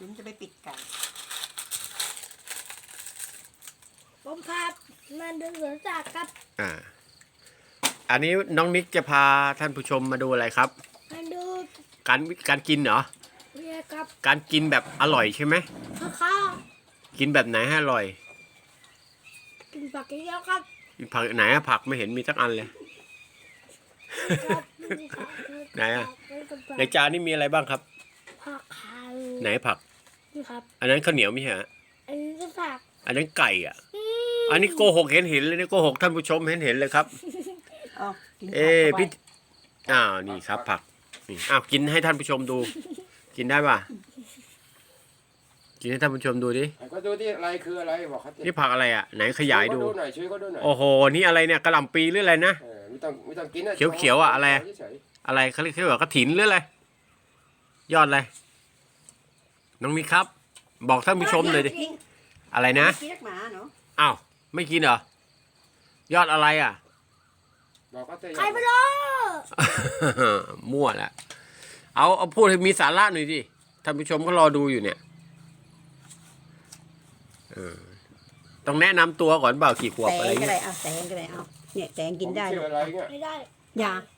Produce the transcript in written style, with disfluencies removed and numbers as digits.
จุ๋มจะไปปิดไก่ผมครับมาดูสวนสัตว์ครับอันนี้น้องนิกจะพาท่านผู้ชมมาดูอะไรครับมาดูการกินเหรอเนี่ยครับการกินแบบอร่อยใช่ไหมข้าวกินแบบไหนให้อร่อยกินผักเยอะๆครับกินผักไหนอะผักไม่เห็นมีสักอันเลยครับนี่ครับไหนอะในจานนี่มีอะไรบ้างครับผักขาวไหนผักนี่ครับอันนั้นข้าวเหนียวไม่ใช่ฮะอันนี้ก็ผักอันนั้นไก่อ่ะ อันนี้โกหกเห็นเลยนี่โกหกท่านผู้ชมเห็นเลยครับเอากินผักเอ๊ะเข้าไปพี่นี่ครับผักนี่กินให้ท่านผู้ชมดู กินได้ป่ะ กินให้ท่านผู้ชมดูดิก็ดูที่อะไรคืออะไรบอกเขานี่ผักอะไรอ่ะไหนขยายดูหน่อยช่วยเขาดูหน่อยโอ้โหนี่อะไรเนี่ยกระหล่ำปีหรืออะไรนะไม่ต้องกินนะเขียวๆอะอะไรเฉยอะไรเขาเรียกว่ากระถินหรืออะไรยอดอะไรน้องนิกครับ บอกท่านผู้ชมเลยดิอะไรนะกินนักหมาเนาะอ้าวไม่กินเหรอยอดอะไรอ่ะๆบอกเขาเถอะใครไม่รู้มั่วแล้วเอาพูดให้มีสาระหน่อยดิท่านผู้ชมก็รอดูอยู่เนี่ยต้องแนะนำตัวก่อนเปล่ากี่ขวบแตอะไรงก็เงี้ได้ยเอาแตงก็ได้เอาเนี่ยแตงกินได้ชื่ออะไรเงี้ยไม่ได้อย่า